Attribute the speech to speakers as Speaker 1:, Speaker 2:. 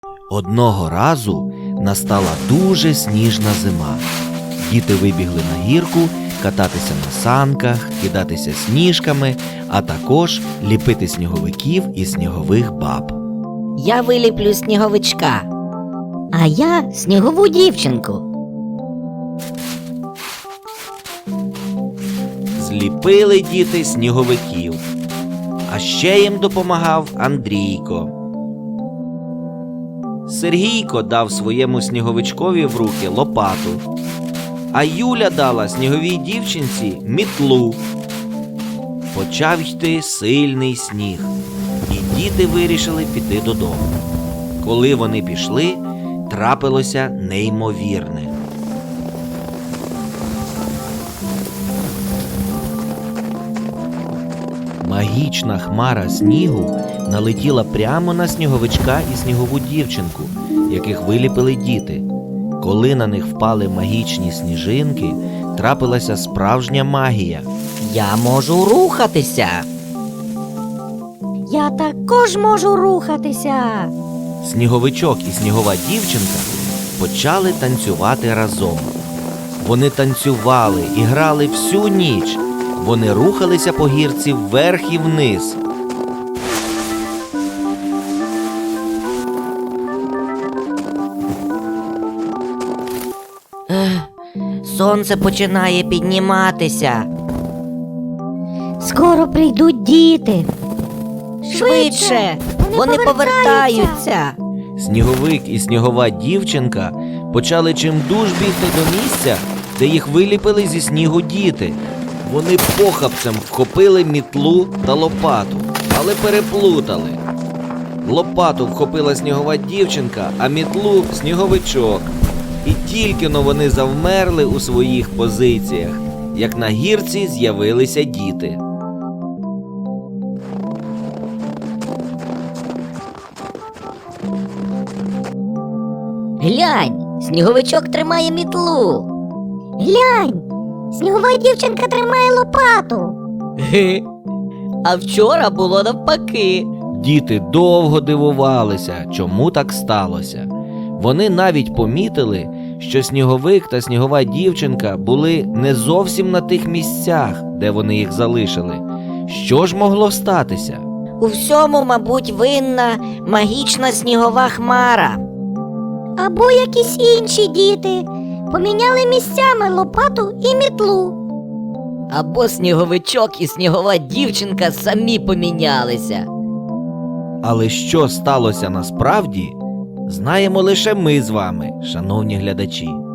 Speaker 1: Одного разу настала дуже сніжна зима. Діти вибігли на гірку кататися на санках, кидатися сніжками, а також ліпити сніговиків і снігових баб.
Speaker 2: Я виліплю сніговичка.
Speaker 3: А я снігову дівчинку.
Speaker 1: Зліпили діти сніговиків. А ще їм допомагав Андрійко. Сергійко дав своєму сніговичкові в руки лопату, а Юля дала сніговій дівчинці мітлу. Почав йти сильний сніг, і діти вирішили піти додому. Коли вони пішли, трапилося неймовірне. Магічна хмара снігу налетіла прямо на сніговичка і снігову дівчинку, яких виліпили діти. Коли на них впали магічні сніжинки, трапилася справжня магія.
Speaker 2: Я можу рухатися.
Speaker 3: Я також можу рухатися.
Speaker 1: Сніговичок і снігова дівчинка почали танцювати разом. Вони танцювали і грали всю ніч. Вони рухалися по гірці вверх і вниз.
Speaker 2: Сонце починає підніматися.
Speaker 3: Скоро прийдуть діти.
Speaker 2: Швидше! Вони повертаються.
Speaker 1: Сніговик і снігова дівчинка почали чимдуж бігти до місця, де їх виліпили зі снігу діти. Вони похапцем вхопили мітлу та лопату, але переплутали. Лопату вхопила снігова дівчинка, а мітлу – сніговичок. І тільки-но вони завмерли у своїх позиціях, як на гірці з'явилися діти.
Speaker 3: Глянь, сніговичок тримає мітлу. Глянь, снігова дівчинка тримає лопату.
Speaker 2: А вчора було навпаки.
Speaker 1: Діти довго дивувалися, чому так сталося. Вони навіть помітили, що сніговик та снігова дівчинка були не зовсім на тих місцях, де вони їх залишили. Що ж могло статися?
Speaker 2: У всьому, мабуть, винна магічна снігова хмара.
Speaker 3: Або якісь інші діти поміняли місцями лопату і мітлу.
Speaker 2: Або сніговичок і снігова дівчинка самі помінялися.
Speaker 1: Але що сталося насправді, знаємо лише ми з вами, шановні глядачі.